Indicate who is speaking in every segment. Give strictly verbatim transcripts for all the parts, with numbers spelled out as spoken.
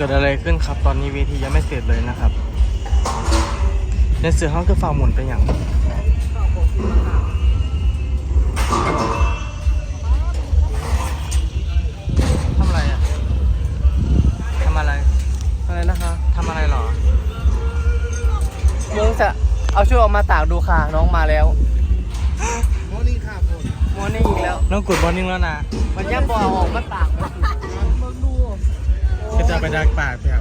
Speaker 1: กิดอะไรขึ้นครับตอนนี้เวทียังไม่เสร็จเลยนะครับในเสือห้องคือฝ่าหมุนไปอย่างทำอะไรอ่ะทำอะไรอะไรนะคะทำอะไรหรอ
Speaker 2: มึงจะเอาชุดออกมาตากดูค่ะน้องมาแล้ว
Speaker 3: โมนี่ค่ะผม
Speaker 2: โมนี่อีกแล้ว
Speaker 1: น้องกดบอลนิ่งแล้วนะ
Speaker 2: มันย่ำบอออกมาตากมาดู
Speaker 1: ก็จะไปดักปากแถว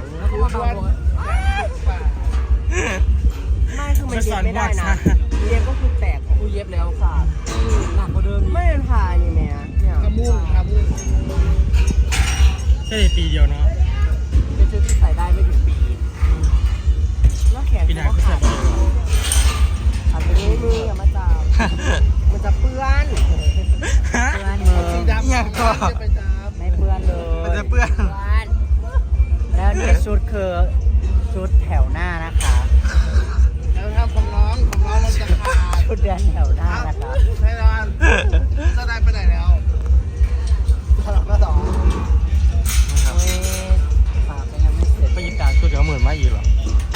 Speaker 2: ไม่คือมันเย็บไม่ได้นะเย็บก็คือแตกกูเย็บแล้วค่ะหนักกว่าเดิมไม่เป็นผ่านี่แม่เนี่ย
Speaker 3: กระมุ้งกระมุ้ง
Speaker 1: แค่ปีเดียวเนาะ
Speaker 2: เป็นชุดที่ใส่ได้ไม่ถึงปีแล้วแขนก็ขาดอันนี้มืออย่ามาจับมันจะเปื้อนเปื้อนมือ
Speaker 1: ยังก็
Speaker 2: ไม่เปื้อนเลย
Speaker 1: มันจะเปื้อน
Speaker 2: แล้วนี่ชุดคือชุดแถวหน้านะคะ
Speaker 3: แล้วถ้าของน้องของน้องเราจะขาด
Speaker 2: ชุดเดินแถวหน้านะคะ
Speaker 3: ใช่ร้านจะได้ไปไหนแล้วสลับมาสอง
Speaker 2: ฝากไปยังไม่เสร็จ
Speaker 1: ไปยิงการชุดเดี๋ยวหมื่นไม่อีกหรอ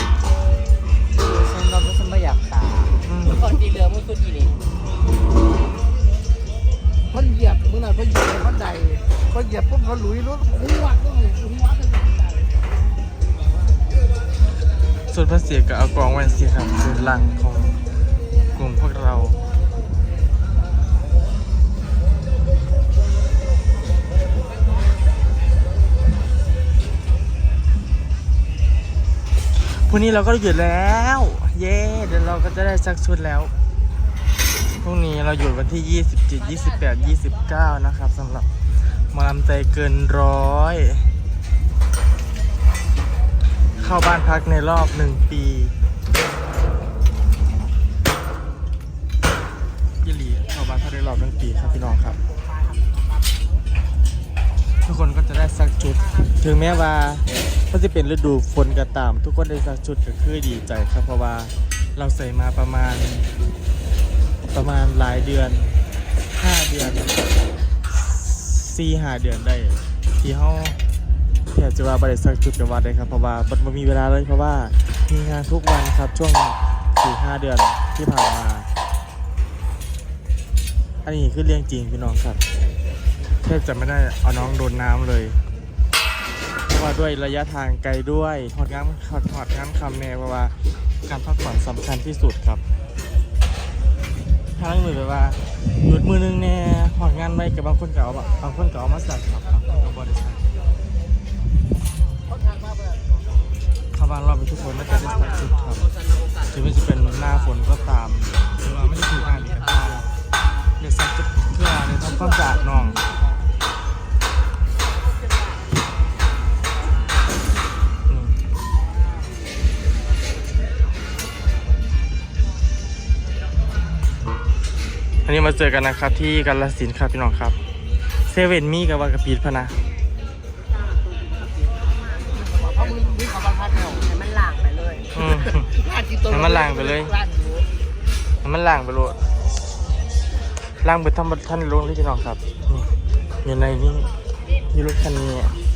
Speaker 2: ฉันเราฉันไม่อยากตาคนที่เหลือมึงคือกี่นี่
Speaker 3: เขาเหยียบมึงหน่อยเขาเหยียบเขาใดเขาเหยียบปุ๊บเขาหลุยรถหัวก็หลุยหัวกัน
Speaker 1: ส่วนพระเสียกับเอากองแวนเสียครับส่วนหลังของกลุ่มพวกเราพรุ่งนี้เราก็หยุดแล้วเย้เดี๋ยวเราก็จะได้ซักชุดแล้วพรุ่งนี้เราหยุดวันที่ยี่สิบเจ็ด ยี่สิบแปด ยี่สิบเก้านะครับสำหรับหมอลำใจเกินร้อยเข้าบ้านพักในรอบหนึ่งปียี่หลีเข้าบ้านพักในรอบหนึ่งปีครับพี่น้องครับทุกคนก็จะได้ซักชุดถึงแม้ว่าก็จะเป็นฤดูฝนก็ตามทุกคนได้ซักชุดก็คือดีใจครับเพราะว่าเราใส่มาประมาณประมาณหลายเดือนห้าเดือนสี่ห้าเดือนได้ที่เขาแทบจะว่าบริษัทจุดกันวัดเลยครับเพราะว่ามันมีเวลาเลยเพราะว่ามีงานทุกวันครับช่วงสี่ห้าเดือนที่ผ่านมาอันนี้คือเรื่องจริงพี่น้องครับแทบจะไม่ได้เอาน้องโดนน้ำเลยเพราะว่าด้วยระยะทางไกลด้วยหอดงานหอดหอดงานคำแน่เพราะว่าการพักผ่อนสำคัญที่สุดครับทางมือแบบว่าหยุดมือนึงแน่หอดงานไม่กับบางคนเก่าบางคนเก่ามาสั่งครับบางคนกับบริษัทชาวบ้านเราเป็นทุกคนน่าจะได้สักชุดครับถึงมันจะเป็นหน้าฝนก็ตามหรือว่าไม่ได้ถูกงานดีก็ตามเดี๋ยวสักชุดเพื่อในทำความสะอาดน้องอันนี้มาเจอกันนะครับที่กาฬสินธุ์ครับพี่น้องครับเซเว่นมีกับวากระปีดพนะ
Speaker 2: ให้มันล่างไปเลย
Speaker 1: ให้มันล่างไปเลยให้มันล่างไปเลยล่างไปทำท่านลงที่พี่น้องครับนี่อยู่ในนี้มีรถคันนี้